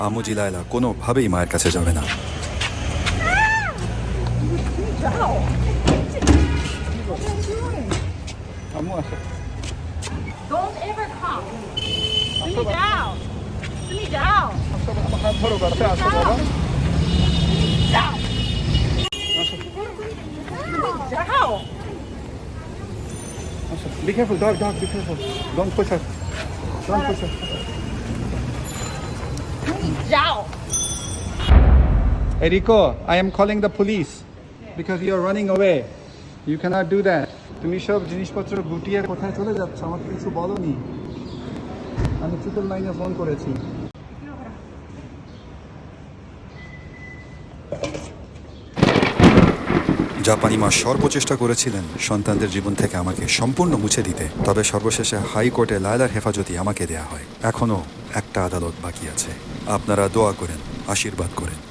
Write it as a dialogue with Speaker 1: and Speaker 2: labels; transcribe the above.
Speaker 1: আমুজি লায়লা কোনোভাবেই মায়ের কাছে যাবে না।
Speaker 2: Don't ever come. Sit me down. Sit me down. Down. Down.
Speaker 3: Be careful, dog, be careful. Don't push her. Don't push her.
Speaker 2: Down.
Speaker 3: Hey Rico, I am calling the police because you are running away. You cannot do that. তুমি সব জিনিসপত্র গুটিয়ে কোথায় চলে যাচ্ছ? আমাকে কিছু বলোনি। আমি ট্রিপল লাইনে ফোন করেছি।
Speaker 1: জাপানি মা সর্বচেষ্টা করেছিলেন সন্তানদের জীবন থেকে আমাকে সম্পূর্ণ মুছে দিতে, তবে সর্বশেষে হাইকোর্টে লায়লার হেফাজতি আমাকে দেয়া হয়। এখনও একটা আদালত বাকি আছে। আপনারা দোয়া করেন, আশীর্বাদ করেন।